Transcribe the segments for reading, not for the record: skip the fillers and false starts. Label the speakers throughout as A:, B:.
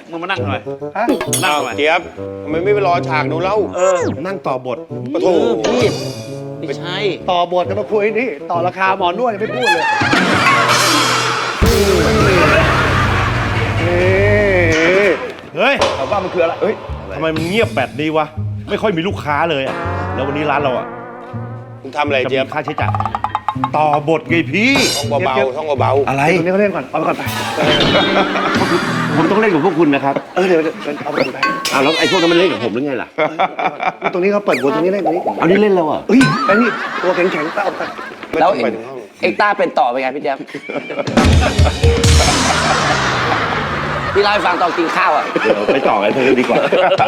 A: มึงมานั่งหน่อย
B: นั่งเจี๊ยบทำไมไม่ไปรอฉากดูเล่า
C: นั่งต่อบท
B: ปะโถ
A: พี่ไม่ใช่
D: ต่อบทจะมาคุยนี่ต่อราคาหมอนวดยังไม่พูดเลย
C: เฮ้ย
D: ถามว่ามันคืออะไรเฮ้ย
C: ทำไมมันเงียบแบบนี้วะไม่ค่อยมีลูกค้าเลยอ่ะแล้ววันนี้ร้านเราอ่ะ
B: มึงทำอะไร
C: จะ
B: เจี๊ยบ
C: มีค่าใช้จ่ายต่อบทไงพี่
B: ท่องเบาๆท่องเบา
C: อะไร
D: ตรงนี้เขาเล่นก่อนเอาไปก่อนไป
C: ผมต้องเล่นกับพวกคุณนะครับ
D: เดี๋ยวเอาไปก่อนไป
C: แล้วไอ้พวกนั้นมันเล่นกับผมหรือไงล่ะ
D: ตรงนี้เขาเปิดบทตรงนี้เล่นตรงนี้
C: เอานี่เล่นแล้วอ่ะ
D: เฮ้ยไอ้นี่ตัวแข็งๆก็เอาไป
B: ๆไม่
A: แล้
B: ต้
A: ว
B: องไปถึงห้อง
A: เอ็กต้าเป็นต่อไปไงพี่แจ๊บพี่เล่าให้ฟังตอนกินข้าวอ่ะ
C: เดี๋ยวไปต่อไอ้เธอดีกว่า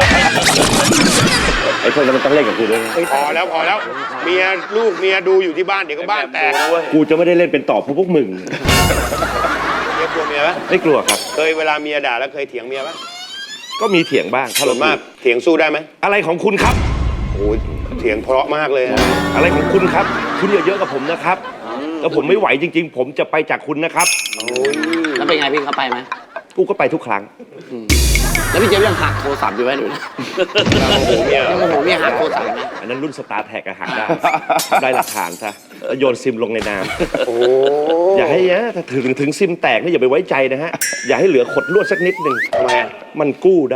C: ไอ้พวกนั้นมันต้องเล่นกับกูด้วยนะ
B: พอแล้วเมียลูกเมียดูอยู่ที่บ้านเดี๋ยวก็บ้านแตกนะเว้ย
C: กูจะไม่ได้เล่นเป็นต่อเพราะพวกมึง
B: เมียกลัวเมียไหม
C: ไม่กลัวครับ
B: เคยเวลาเมียด่าแล้วเคยเถียงเมียไหม
C: ก็มีเถียงบ้างถ้า
B: ส่
C: เรา
B: วนมากเถียงสู้ได้ไหม
C: อะไรของคุณครับ
B: โอ้ยเถียงเพราะมากเลยนะ
C: อะไรของคุณครับ คุณอย่าเยอะกับผมนะครับแล้วผมไม่ไหวจริง ๆ ผมจะไปจากคุณนะครับ
B: โอ้ย
A: แล้วเป็นไงพี่เขาไปไหม
C: กูก็ไปทุกครั้ง
A: แล้วพี่เจ๊ยังหักโทรศัพท์อยู่ไหมดูนะ
B: โอ้โหเมีย
A: ยังโมโหเมียหักโทรศัพท์ไหม
C: อันนั้นรุ่นสตาร์แท็กหักได้ ได้หลักฐานซะแล้วโยนซิมลงในน้
B: โอ้
C: ำอย่าให้นะถ้าถึงซิมแตกนี่อย่าไปไว้ใจนะฮะ อย่าให้เหลือขดลวดสักนิดหนึ่ง
B: ทำไมอะ
C: มันกู้ได้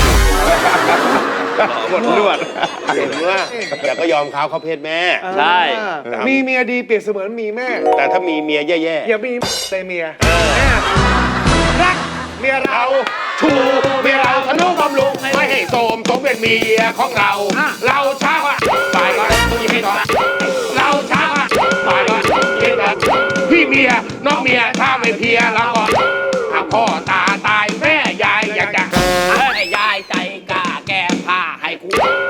B: หมดลวดเห็นว่าอย่าก็ยอมเขาเพศแม่
A: ใช่
D: มีเมียดีเปรียบเสมือนมีแม่
B: แต่ถ้ามีเมียแย่
D: อย่ามีในเมียแม่รักเมียเรา
B: ๆชูเมียเราทนุบำรุงไม่ให้โสมสมเป็นเมียของเรา เราช้าว่าฝ่ายก็ต้องยิ้มให้ต่อเราช้าว่าฝ่ายก็ยิ้มให้ต่อพี่เมียน้องเมียถ้าไม่เพียเราก็หากพ่อตาตายแม่ยายอยากจะ
A: ให้ยายใจกล้าแก้ผ้าให้กู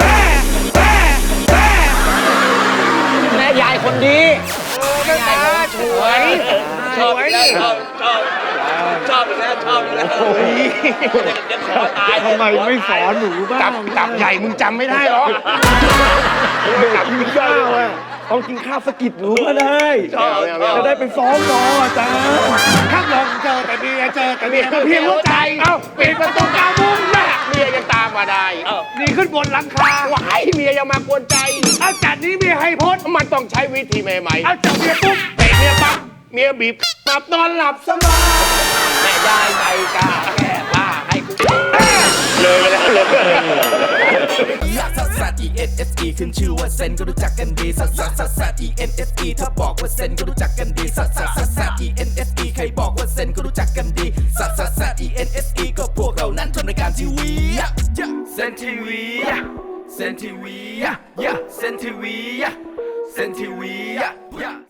A: แม่ยายคนดีแม่ยายคนสวยชอบแล้วชอบแล้วชอบแล้วเดี๋ยวขอตาย
D: ทำไมไม่สอนหนูบ้าง
B: ตับใหญ่มึงจำไม่ได้หรอ
D: ตับกินข้าวอ่ะต้องกินข้าวสกิดหนูก็ได้ จะได้ไปฟ้องรออาจารย์ข้างหลังเจอแต่เมียก็เพียงหัวใจ
B: เอ้าปิดประตูกามุ้งแม่เมียยังตามมาได้
D: นี่ขึ้นบนหลังคา
B: ว่าให้เมียยังมากวนใจ
D: อาจารย์นี้เมียให้พ้น
B: มันต้องใช้วิธีใหม่ๆ
D: อาจารย์เมียปุ๊บ
B: เตะเมียปั๊บเมียบีบหลับนอนหลับสบาย
A: แม่ยายใจกล้าแก้ผ้าให้กู
B: เลยไปแล้วเลย
E: ลักซัสซัส E N S E ขึ้นชื่อว่าเซนก็รู้จักกันดีซัสซัสซัสซัส E N S E ถ้าบอกว่าเซนก็รู้จักกันดีซัสซัสซัสซัส E N S E ใครบอกว่าเซนก็รู้จักกันดีซัสซัสซัส E N S E ก็พวกเรานั้นทำรายการทีวีเซนทีวีเซนทีวีเซนทีวีเซนทีวี